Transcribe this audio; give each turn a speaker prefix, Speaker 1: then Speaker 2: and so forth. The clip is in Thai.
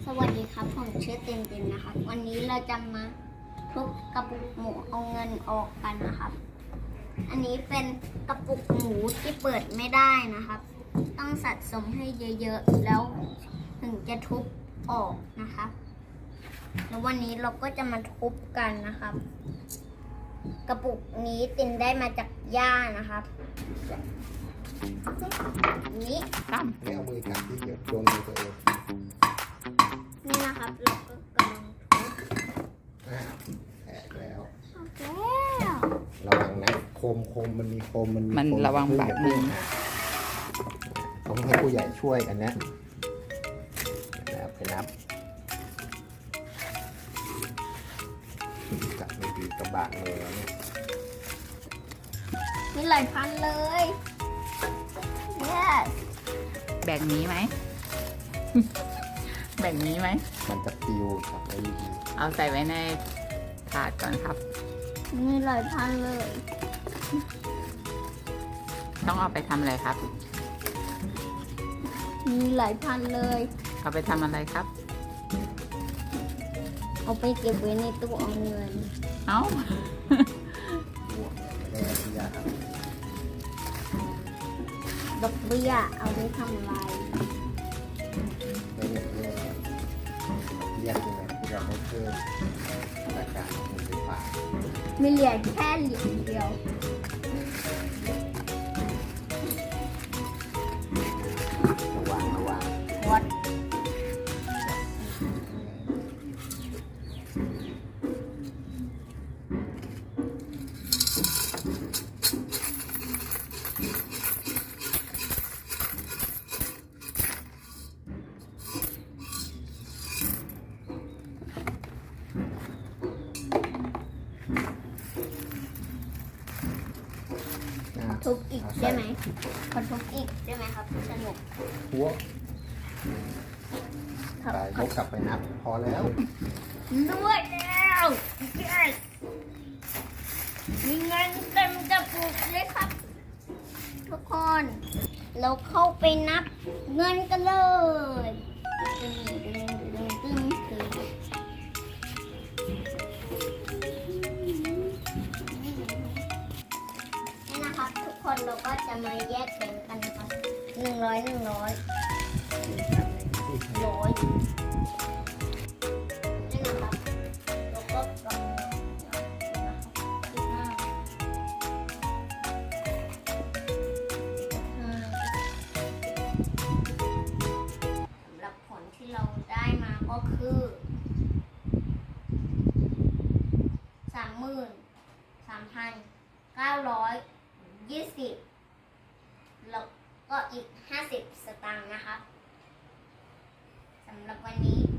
Speaker 1: สวัสดีครับผมชื่อเต็นนะครับวันนี้เราจะมาทุบกระปุกหมูเอาเงินออกกันนะครับอันนี้เป็นกระปุกหมูที่เปิดไม่ได้นะครับต้องสะสมให้เยอะๆแล้วถึงจะทุบออกนะครับแล้ววันนี้เราก็จะมาทุบกันนะครับกระปุกนี้ตินได้มาจากย่านะครับนี้
Speaker 2: ไม่เอามือกัดที่เดี๋ยวโดนมือตัวเอง
Speaker 1: นี่นะครับเราก็กำลังทุบ
Speaker 2: แตกแล้ว
Speaker 1: แล้ว
Speaker 2: ระวังนะโคมมันมีโคม
Speaker 3: มันระวังบาดมือ
Speaker 2: ต้องให้ผู้ใหญ่ช่วยอันนี้ไปนับกัดไม่ดีกระบาดมือแล้วเนี่ย
Speaker 1: มีหลายพันเลย yes
Speaker 3: แบ่งนี้ไหม แบ่งนี้ไหม
Speaker 2: มันจะปิวจับได้ดี
Speaker 3: เอาใส่ไว้ในถาดก่อนครับ
Speaker 1: มีหลายพันเลย
Speaker 3: ต้องเอาไปทำอะไรครับ
Speaker 1: มีหลายพันเลย
Speaker 3: เอาไปทำอะไรครับ
Speaker 1: เอาไปเก็บไว้ในตู้เอาเงิน
Speaker 3: เอ้า
Speaker 1: ดอกเบี้ยเอาไว้ทำอะไร
Speaker 2: ไม่เรียกเรียกยังไงที่เราไม่เพิ่มราคาของเงินไฟฟ้า
Speaker 1: ไม่เหลือแค่เหรียญเดียว
Speaker 2: ระวัง
Speaker 1: วัดทุบอีกได้ไหมขอทุบอีกได้ไหมครับสนุก
Speaker 2: หัวไปยกกลับไปนับพอแล้ว
Speaker 1: ด้วยแล้ว yes มีเงินเต็มกระปุกเลยครับทุกคนเราเข้าไปนับเงินกันเลยเราก็จะมาแยกแบ่งกันนะครับ100นี่นะครับเราก็กำสำหรับผลที่เราได้มาก็คือ33,920แล้วก็อีก50 สตางค์นะครับสำหรับวันนี้